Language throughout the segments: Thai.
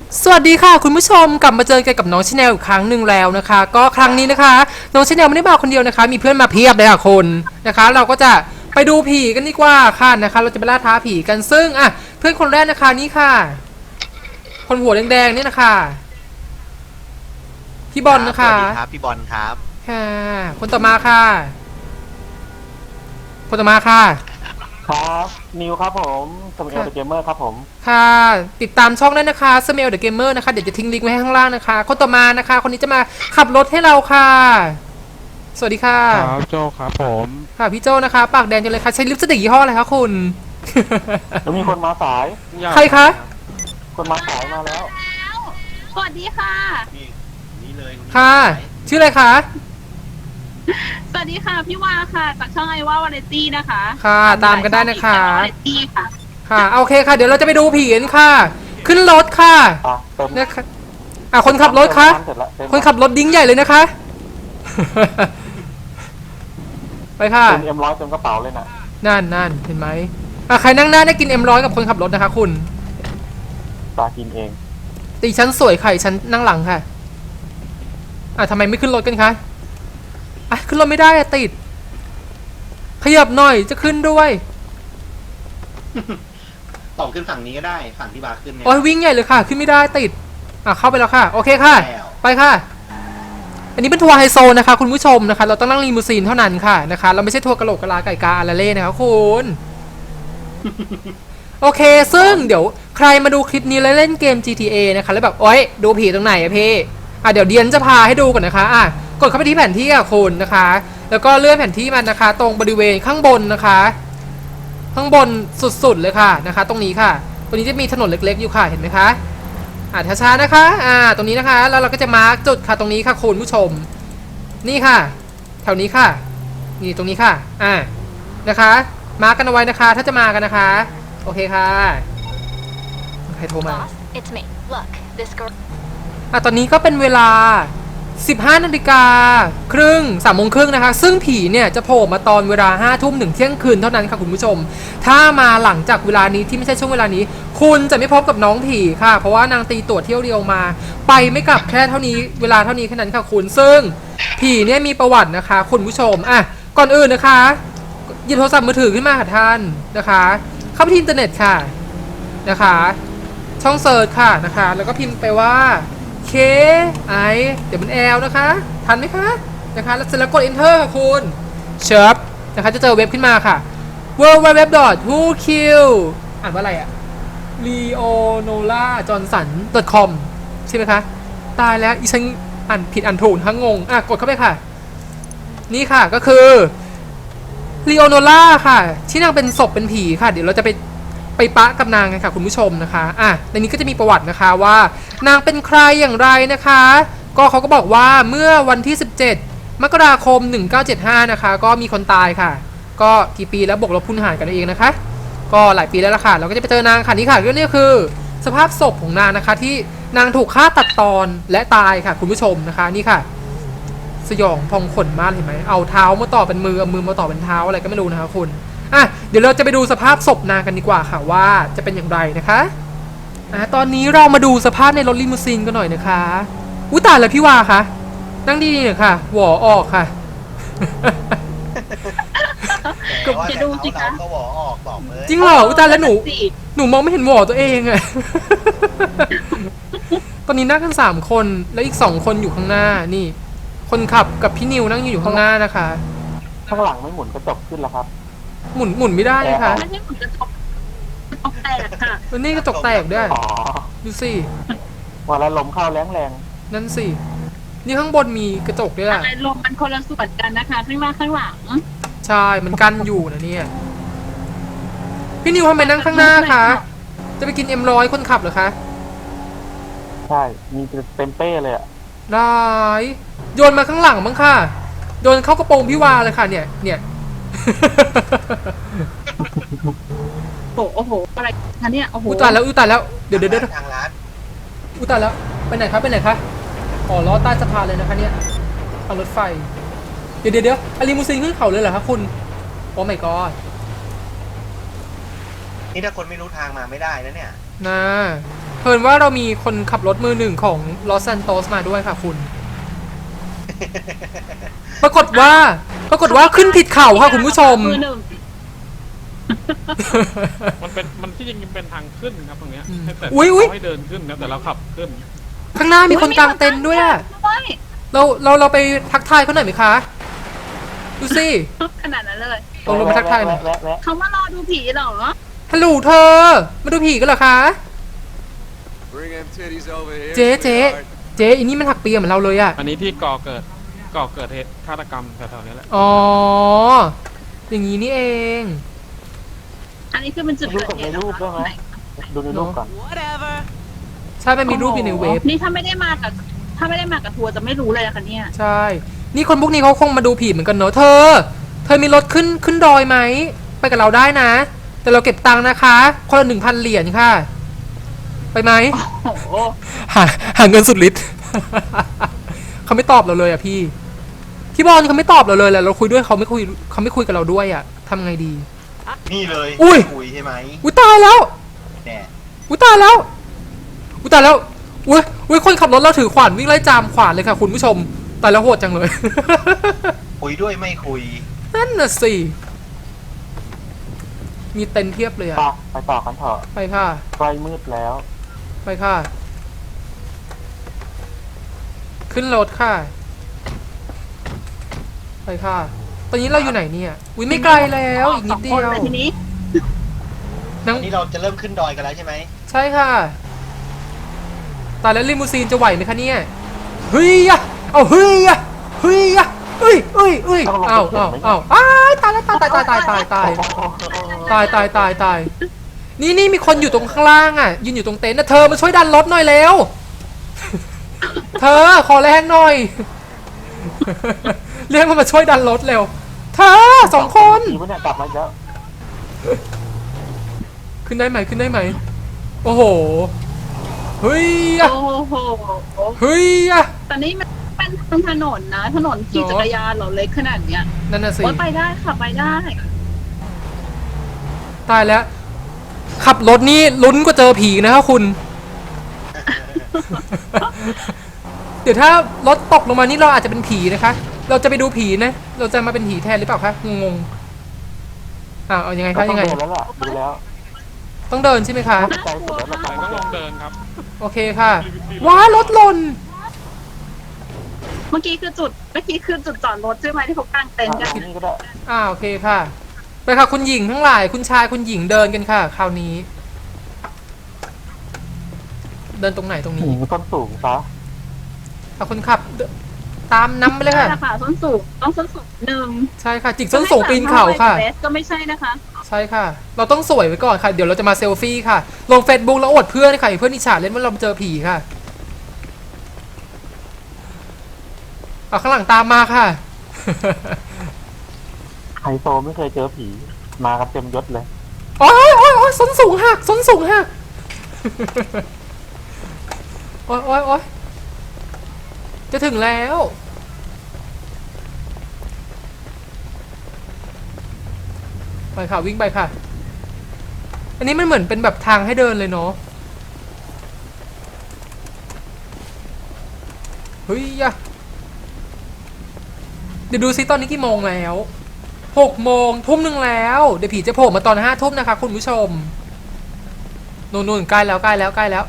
สวัสดีค่ะคุณผู้ชมกลับมาเจอกันกับน้องชาแนลอีกครั้งหนึ่งแล้วนะคะ ก็ครั้งนี้นะคะน้องชาแนลไม่ได้มาคนเดียวนะคะมีเพื่อนมาเพียบเลยค่ะคนนะคะเราก็จะไปดูผีกันดีกว่าค่ะนะคะเราจะไปล่าท้าผีกันซึ่งเพื่อนคนแรกนะคะนี่ค่ะคนหัวแดงๆนี่นะคะพี่บอลนะคะสวัสดีครับพี่บอลครับค่ะคนต่อมาค่ะคนต่อมาค่ะครับนิวครับผมสมัยเดอะเกมเมอร์ครับผมค่ะติดตามช่องได้นะคะ Smell the Gamer นะคะเดี๋ยวจะทิ้งลิงก์ไว้ให้ข้างล่างนะคะคนต่อมานะคะคนนี้จะมาขับรถให้เราค่ะสวัสดีค่ะครับโจครับผมค่ะพี่โจนะคะปากแดงจังเลยค่ะใช้ลิปสติกยี่ห้ออะไรคะคุณแล้วมีคนมาสายใครคะคนมาสายมาแล้วสวัสดีค่ะนี่เลยค่ะชื่ออะไรคะสวัสดีค่ะพี่วาค่ะจากช่องไอว่าวาไรตี้นะคะค่ะตามกันได้นะคะวาไรตี้ค่ะค่ะโอเคค่ะเดี๋ยวเราจะไปดูผีกันค่ะ ขึ้นรถค่ะเติมนะคะคนขับรถคะเสร็จละเติมคนขับรถดิ้งใหญ่เลยนะคะ ไปค่ะเติมM100เติมกระเป๋าเลยน่ะนั่นเห็นไหมใครนั่งหน้าได้กินM100กับคนขับรถนะคะคุณตากินเองตีฉันสวยไข่ฉันนั่งหลังค่ะทำไมไม่ขึ้นรถกันคะขึ้นรถไม่ได้ติดขยับหน่อยจะขึ้นด้วยต่อขึ้นฝั่งนี้ก็ได้ฝั่งที่บาร์ขึ้นเนี่ยโอ้ยวิ่งใหญ่เลยค่ะ ขึ้นไม่ได้ติดเข้าไปแล้วค่ะโอเคค่ะแล้วไปค่ะ อันนี้เป็นทัวร์ไฮโซนะคะคุณผู้ชมนะคะเราต้องนั่งลีมูซีนเท่านั้นค่ะนะคะเราไม่ใช่ทัวร์กะโหลกกะลาไก่กาอาราเล่นะคะคุณ โอเคซึ่งเดี๋ยวใครมาดูคลิปนี้แล้วเล่นเกม GTA นะคะแล้วแบบโอ๊ยดูผีตรงไหนอะพี่เดี๋ยวเดียนจะพาให้ดูก่อนนะคะกดเข้าไปที่แผนที่คุณนะคะ แล้วก็เลื่อนแผนที่มันนะคะ ตรงบริเวณข้างบนนะคะ ข้างบนสุดๆเลยค่ะนะคะตรงนี้ค่ะตรงนี้จะมีถนนเล็กๆอยู่ค่ะเห็นไหมคะช้าๆนะคะตรงนี้นะคะแล้วเราก็จะมาร์กจุดค่ะตรงนี้ค่ะคุณผู้ชมนี่ค่ะแถวนี้ค่ะนี่ตรงนี้ค่ะนะคะมาร์กกันเอาไว้นะคะถ้าจะมากันนะคะโอเคค่ะใครโทรมา Boss, it's me. Look, this girl. ตอนนี้ก็เป็นเวลา 15 นาฬิกาครึ่ง3 โมงครึ่งนะคะซึ่งผีเนี่ยจะโผล่มาตอนเวลา 5 ทุ่มถึงเที่ยงคืนเท่านั้นค่ะคุณผู้ชมถ้ามาหลังจากเวลานี้ที่ไม่ใช่ช่วงเวลานี้คุณจะไม่พบกับน้องผีค่ะเพราะว่านางตีตั๋วเที่ยวเดียวมาไปไม่กลับแค่เท่านี้เวลาเท่านี้แค่นั้นค่ะคุณซึ่งผีเนี่ยมีประวัตินะคะคุณผู้ชมก่อนอื่นนะคะหยิบโทรศัพท์มือถือขึ้นมาค่ะท่านนะคะเข้าไปที่อินเทอร์เน็ตค่ะนะคะช่องเซิร์ชค่ะนะคะแล้วก็พิมพ์ไปว่าKI เดี๋ยวมัน L นะคะทันไหมคะนะคะแล้วเสร็จแล้วกด Enter ค่ะคุณเชิบนะคะจะเจอเว็บขึ้นมาค่ะ www.whokill อ่านว่าอะไรleonola.johnson.com ใช่ไหมคะตายแล้วอีฉันอ่านผิดอ่านถูกทั้งงงกดเข้าไปค่ะนี่ค่ะก็คือ leonola ค่ะที่นางเป็นศพเป็นผีค่ะเดี๋ยวเราจะไปปะกับนางกันค่ะคุณผู้ชมนะคะในนี้ก็จะมีประวัตินะคะว่านางเป็นใครอย่างไรนะคะก็เขาก็บอกว่าเมื่อวันที่17 มกราคม 1975นะคะก็มีคนตายค่ะก็กี่ปีแล้วบวกลบคูณหารกันเองนะคะก็หลายปีแล้วล่ะค่ะเราก็จะไปเจอนางค่ะนี่ค่ะก็นี่คือสภาพศพของนางนะคะที่นางถูกฆ่าตัดตอนและตายค่ะคุณผู้ชมนะคะนี่ค่ะสยองพองขนมากเห็นไหมเอาเท้ามาต่อเป็นมือเอามือมาต่อเป็นเท้าอะไรก็ไม่รู้นะคะคุณเดี๋ยวเราจะไปดูสภาพศพนางกันดีกว่าค่ะว่าจะเป็นอย่างไรนะคะตอนนี้เรามาดูสภาพในรถลิมูซีนกันหน่อยนะคะตายแล้วพี่วาคะนั่งดีๆหน่อยค่ะหวอออกค่ะจะดูสิคะก็หวอออกบอกเลยจริงเหรอตายแล้วหนูมองไม่เห็นหวอตัวเองอะ ตอนนี้นั่งกัน3 คนแล้วอีก2 คนอยู่ข้างหน้านี่คนขับกับพี่นิวนั่งอยู่ข้างหน้านะคะข้างหลังไม่หมุนกระจกขึ้นแล้วครับหมุนไม่ได้เลยค่ะไม่ใช่หมุนกระจกแตกค่ะแล้วนี่กระจกแตกด้วยอ๋อดูสิว่าแล้วลมเข้าแรงนั่นสินี่ข้างบนมีกระจกด้วยล่ะอะไรลมมันคนละส่วนกันนะคะข้างหน้าข้างหลังใช่มันกั้นอยู่นะเนี่ยพี่นิวทำไมนั่งข้างหน้าคะจะไปกินM100คนขับเหรอคะๆใช่มีเต็มเป้เลยอ่ะได้โยนมาข้างหลังมั้งค่ะโยนเข้ากระโปรงพี่วาเลยค่ะเนี่ยโอ้โหอะไรคะเนี่ยโอ้โหตายแล้วตายแล้วเดี๋ยวทางร้านตายแล้วไปไหนครับอ๋อล้อใต้สะพานเลยนะคะเนี่ยทางรถไฟเดี๋ยวลิมูซีนขึ้นเขาเลยเหรอคะคุณโอ้ my god นี่ถ้าคนไม่รู้ทางมาไม่ได้นะเนี่ยนะเพิ่นว่าเรามีคนขับรถมือหนึ่งของลอสซานโตสมาด้วยค่ะคุณ ปรากฏว่าขึ้นผิดเขาค่ะคุณผู้ชมมือหนึ่งมันที่จริงเป็นทางขึ้นครับตรงเนี้ยอืมให้แต่อุ๊ยเขาให้เดินขึ้นนะแต่เราขับขึ้นข้างหน้ามีคนกางเต็นท์ด้วยอะด้วยเราไปทักทายเขาหน่อยไหมคะ ดูสิขนาดนั้นเลยลงมาทักทายหน่อยแวะเขามารอดูผีเหรอฮัลโหลเธอ มาดูผีกันเหรอคะ Bring them titties over here. เจ๊ sweetheart. เจ๊อันนี้มันหักเปียเหมือนเราเลยอะอันนี้ที่ก่อเกิดเหตุฆาตกรรมแถวๆนี้แหละอ๋อ อย่างนี้นี่เองอันนี้คือเป็นจุดดูเกิดกับเหในตุรูปได้ไหมดูในรูปก่อนใช่มันมีรูปอยู่ในเว็บนี่ถ้าไม่ได้มากับทัวร์จะไม่รู้เลยนะคะเนี่ยใช่ นี่คนพวกนี้เขาคงมาดูผีเหมือนกันเนอะเธอมีรถขึ้นดอยไหม ไปกับเราได้นะ แต่เราเก็บตังค์นะคะ คนละ 1,000 เหรียญค่ะ ไปไหมโอ้โหหาเงินสุดฤทธิ์ เขาไม่ตอบเราเลยอ่ะพี่บอลเขาไม่ตอบเราเลยแหละเราคุยด้วยเขาไม่คุยกับเราด้วยอ่ะทำไงดีนี่เลยอุ้ยคุยใช่ไหมอุ้ยตายแล้วแน่อุ้ยตายแล้วอุ้ยตายแล้วอุ้ยคนขับรถเราถือขวานวิ่งไล่จามขวานเลยค่ะคุณผู้ชมตายแล้วโหดจังเลยคุยด้วยไม่คุยนั่นน่ะสิมีเต็นท์เทียบเลยอ่ะไปต่อกันเถอะไปค่ะใกล้มืดแล้วไปค่ะ ขึ้นรถค่ะ ไปค่ะ ตอนนี้เราอยู่ไหนเนี่ย อุ้ยไม่ไกลแล้วอีกนิดเดียวสองคนลทีนี้นั่งอันนี้เราจะเริ่มขึ้นดอยกันแล้วใช่ไหมใช่ค่ะตายแล้วลิมูซีนจะไหวไหมคะเนี่ยเฮ้ยอะเอาเฮ้ยอะเฮ้ยอะเอ้ยเอาอ้ายตายแล้วตายนี่มีคนอยู่ตรงข้างล่างอ่ะยืนอยู่ตรงเต็นท์นะเธอมาช่วยดันรถหน่อยเร็ว เธอขอแรงหน่อย เรียกมันมาช่วยดันรถเร็วเธอ2 คนผีมันเนี่ยกลับมาอีกแล้วขึ้นได้ไหมโอ้โหเฮ้ยอะโอ้โหเฮ้ยอะแต่นี่มันเป็นทางถนนนะถนนขี่จักรยานเหรอเล็กขนาดเนี้ยนั่นน่ะสิโอ้ยไปได้ค่ะไปได้ตายแล้ว ขับรถนี่ลุ้นกว่าเจอผีนะครับคุณ เดี๋ยวถ้ารถตกลงมานี่เราอาจจะเป็นผีนะคะ เราจะไปดูผีนะ เราจะมาเป็นผีแทนหรือเปล่าคะงงเอายังไงก็คะต้อยัง งไงเดินแล้วล่ะดูแล้วต้องเดินใช่ไหมคะใจสุดแล้วแต่ล่ะต้องลงเดินครับโอเคค่ะว้ารถหล่นเมื่อกี้คือจุดจอดรถใช่ไหมที่เขากางเต็นท์กันที่นี่ก็ได้โอเคค่ะ ไปค่ะคุณหญิงทั้งหลายคุณชายคุณหญิงเดินกันค่ะ คราวนี้ เดินตรงไหนตรงหนี้ญิงต้นสูงซะเอาคนขับตามน้ำไปเลยใช่ค่ะละค่ะส้นสูงต้องส้นสูงหนึ่งใช่ค่ะจิกส้นสูงปีนเขาค่ะเวสก็ไม่ใช่นะคะใช่ค่ะ เราต้องสวยไว้ก่อนค่ะ เดี๋ยวเราจะมาเซลฟี่ค่ะ ลง Facebook แล้วอวดเพื่อนค่ะเพื่อนอิจฉาเล่นว่าเราเจอผีค่ะ เอาข้างหลังตามมาค่ะไฮโซไม่เคยเจอผีมากันเต็มยศเลยโอ๊ยส้นสูงหักส้นสูงหัก โอ๊ยจะถึงแล้ว ไปค่ะวิ่งไปค่ะ อันนี้มันเหมือนเป็นแบบทางให้เดินเลยเนาะ เฮ้ยอะเดี๋ยวดูซิตอนนี้กี่โมงแล้ว6 โมงทุ่ม 1แล้วเดี๋ยวผีจะโผล่มาตอน5 ทุ่มนะคะคุณผู้ชมนู่นใกล้แล้ว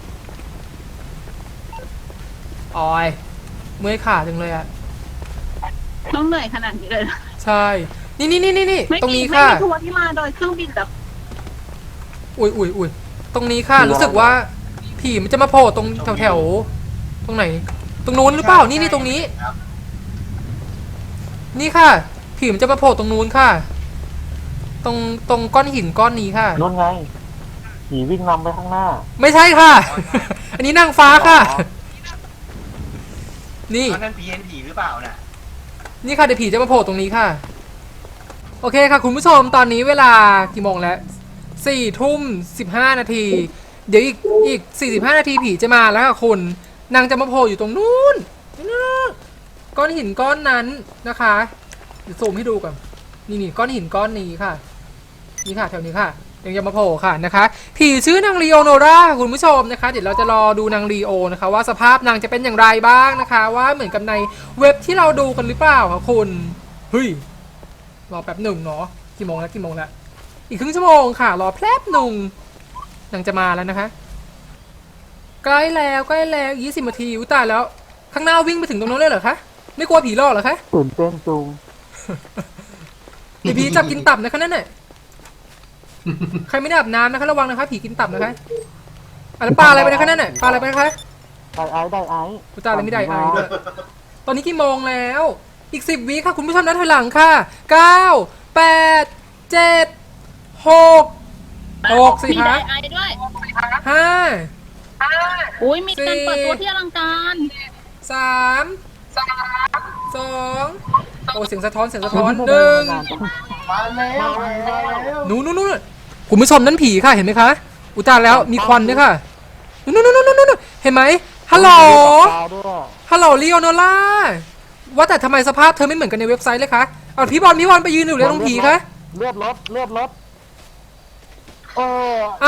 ออยเมื่อยขาจังเลยอะต้องเหนื่อยขนาดนี้เลยนะใช่นี่ไม่ตรงมีนี้ไม่ค่ะมีทัวร์ที่มาโดยเครื่องบินแบบอุ้ยตรงนี้ค่ะ รู้สึกว่าผีมันจะมาโผล่ตรงแถวตรงไหน ตรงนู้นหรือเปล่านี่ตรงนี้ครับนี่ค่ะ ผีมันจะมาโผล่ตรงนู้นค่ะ ตรงก้อนหินก้อนนี้ค่ะนู่นไงผีวิ่งนำไปข้างหน้าไม่ใช่ค่ะ อันนี้นางฟ้าค่ะ นี่นั่นผีเห็นผีหรือเปล่าน่ะนี่ค่ะเดี๋ยวผีจะมาโผล่ตรงนี้ค่ะ โอเคค่ะคุณผู้ชมตอนนี้เวลากี่โมงแล้ว4:15 นาที เดี๋ยวอีก45 นาทีผีจะมาแล้วค่ะคุณนางจะมาโผล่อยู่ตรงนู้นก้อนหินก้อนนั้นนะคะเดี๋ยวซูมให้ดูก่อนนี่ก้อนหินก้อนนี้ค่ะนี่ค่ะแถวนี้ค่ะยังจะมาโผล่ค่ะนะคะ ผีชื่อนางลีโอโนราคุณผู้ชมนะคะเดี๋ยวเราจะรอดูนางลีโอนะคะว่าสภาพนางจะเป็นอย่างไรบ้างนะคะ ว่าเหมือนกับในเว็บที่เราดูกันหรือเปล่าคะคุณเฮ้ยรอแป๊บหนึ่งเนาะกี่โมงแล้วอีกครึ่งชั่วโมงค่ะรอแป๊บหนึ่งนางจะมาแล้วนะคะใกล้แล้ว20 นาทีอุ้ยตายแล้วข้างหน้าวิ่งไปถึงตรงนั้นเลยเหรอคะไม่กลัวผีหลอกเหรอคะตื่นเต้นจุงผีจับกินตับนะคะนั่นน่ะใครไม่ได้อาบน้ำนะคะระวังนะคะผีกินตับนะคะแล้วปลาอะไรไปนะคะนั่นน่ะปลาอะไรไปนะคะได้ไอ้กูตาอะไรไม่ได้ไอด้วยตอนนี้กี่โมงแล้วอีก10 วิค่ะคุณผู้ชมนับถอยหลังค่ะ9 8 7 6 สิมีคะไดไอด้วย 5 อุ้ยมีการเปิดตัวที่อลังการ 3 2โอ้เสียงสะท้อน1 มาแล้วนู่นคุณผู้ชมนั่นผีค่ะเห็นไหมคะอุยตาแล้วมีควันด้วยค่ะนู่นเห็นไหมฮัลโหลลีโอโนล่าว่าแต่ทำไมสภาพเธอไม่เหมือนกันในเว็บไซต์เลยคะเอาพี่บอลไปยืนอยู่เลยตรงผีคะเลือดรถเออเอา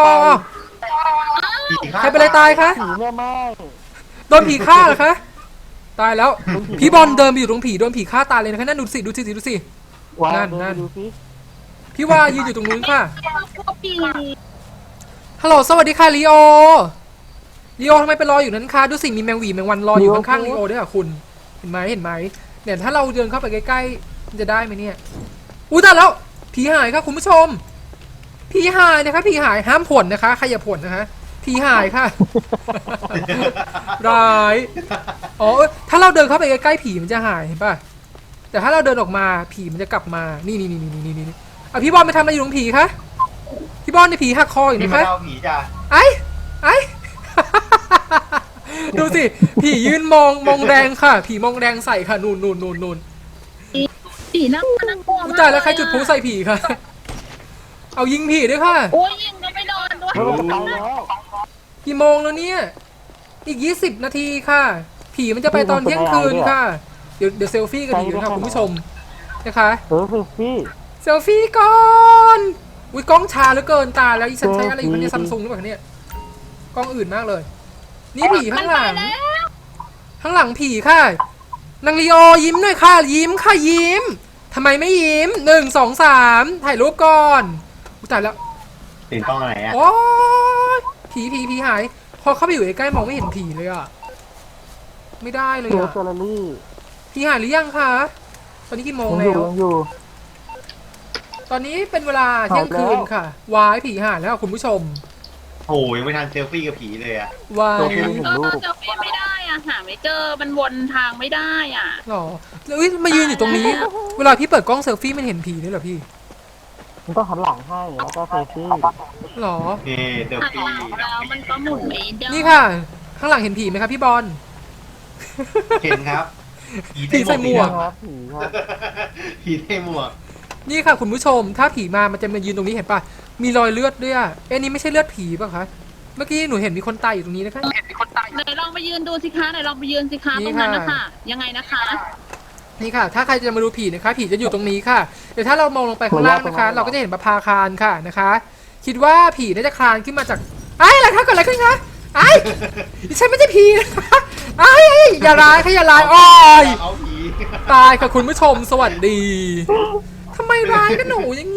ผีฆ่าใครเป็นอะไรตายคะผีแม่ไม้โดนผีฆ่าเหรอคะตายแล้วพี่บอลเดินไปอยู่ตรงผีโดนผีฆ่าตายเลยนะคะนั่นดูสิว้านั่นดูสิพี่ว่ายืนอยู่ตรงนู้นค่ะพวกผีฮัลโหลสวัสดีค่ะลีโอทำไมไปรออยู่นั้นคะดูสิมีแมงหวีแมงวันรออยู่ข้างๆลีโอด้วยค่ะคุณเห็นไหมเนี่ยถ้าเราเดินเข้าไปใกล้ๆมันจะได้ไหมเนี่ยอุ้ยตายแล้วผีหายค่ะคุณผู้ชมผีหายนะคะผีหายห้ามผลนะคะใครอย่าผลนะคะผีหายค่ะ ร้ายอ๋อถ้าเราเดินเข้าไปใกล้ๆผีมันจะหายเห็นป่ะแต่ถ้าเราเดินออกมาผีมันจะกลับมานี่เอาพี่บอลไปทำอะไรอยู่ตรงผีคะพี่บอลในผีหักคออยู่นี่นะมาคะเล่าผีจ้ะไอ้ ดูสิผียืนมองแดงค่ะ ผีมองแดงใส่ค่ะนูนผีน่ากลัวอุ๊มาย กตายแล้วใครจุดพลุใส่ผีค่ะเอายิงผีด้วยค่ะโอ้ยยิงก็ไม่โดนด้วยเฮ้ยมันจะไปแล้วกี่โมงแล้วเนี่ยอีก20 นาทีค่ะ ผีมันจะไปตอนเที่ยงคืนค่ะเดี๋ยวเซลฟี่กันดีนะคะคุณผู้ชมนะคะพี่เซลฟี่ก่อนอุ้ยกล้องชาเหลือเกินตาแล้วอีฉันใช้อะไรอยู่เนี่ยซัมซุงหรือเปล่าเนี่ยกล้องอื่นมากเลย นี่ผีข้างหลังผีค่ะนางลีโอยิ้มหน่อยค่ะยิ้มทำไมไม่ยิ้ม1 2 3ถ่ายรูปก่อนอุ๊ยตายแล้วตื่นกล้องอะไรอ่ะโอ้ยผีหายพอเข้าไปอยู่ใกล้ๆมองไม่เห็นผีเลยอ่ะไม่ได้เลยเจออ่ะเซอร์รี่ผีหายหรือยังคะตอนนี้กี่โมงยังแล้วอยู่ตอนนี้เป็นเวลาเที่ยงคืนค่ะวายผีหายแล้วคุณผู้ชมโอ้ยยังไม่ทันเซลฟี่กับผีเลยอ่ะวายเห็นรูปเจอพี่ไม่ได้อ่ะหาไม่เจอมันวนทางไม่ได้อ่ะหรอแล้วอุ๊ยมายืนอยู่ตรงนี้ เวลาพี่เปิดกล้องเซลฟี่มันเห็นผีด้วยเหรอพี่มันต้องหันหลังให้แล้วก็เซลฟี่หรอเฮ้เซลหันฟี่หลังแล้วมันก็หมุนไม่ได้นี่ค่ะ ข้างหลังเห็นผีไหมครับพี่บอลเห็นครับผีใส่หมวกครับผีครับผีใส่หมวกนี่ค่ะคุณผู้ชม ถ้าผีมามันจะมายืนตรงนี้เห็นปะมีรอยเลือดด้วยอะนี่ไม่ใช่เลือดผีป่ะคะ เมื่อกี้หนูเห็นมีคนตายอยู่ตรงนี้นะคะไหนลองไปยืนดูสิคะไหนลองไปยืนสิคะนี่ตรงนั้นค่ะนะคะยังไงนะคะนี่ค่ะ ถ้าใครจะมาดูผีนะคะ ผีจะอยู่ตรงนี้ค่ะ เดี๋ยวถ้าเรามองลงไปข้างล่างนะคะ เราก็จะเห็นประภาคารค่ะนะคะ คิดว่าผีน่าจะคลานขึ้นมาจากอะไรคะเกิดอะไรขึ้นคะดิฉันไม่ใช่ผีนะคะอย่าร้ายค่ะอย่าร้ายอ้อยเอาผีตายค่ะคุณผู้ชมสวัสดีทำไมร้ายกันหนูอย่าง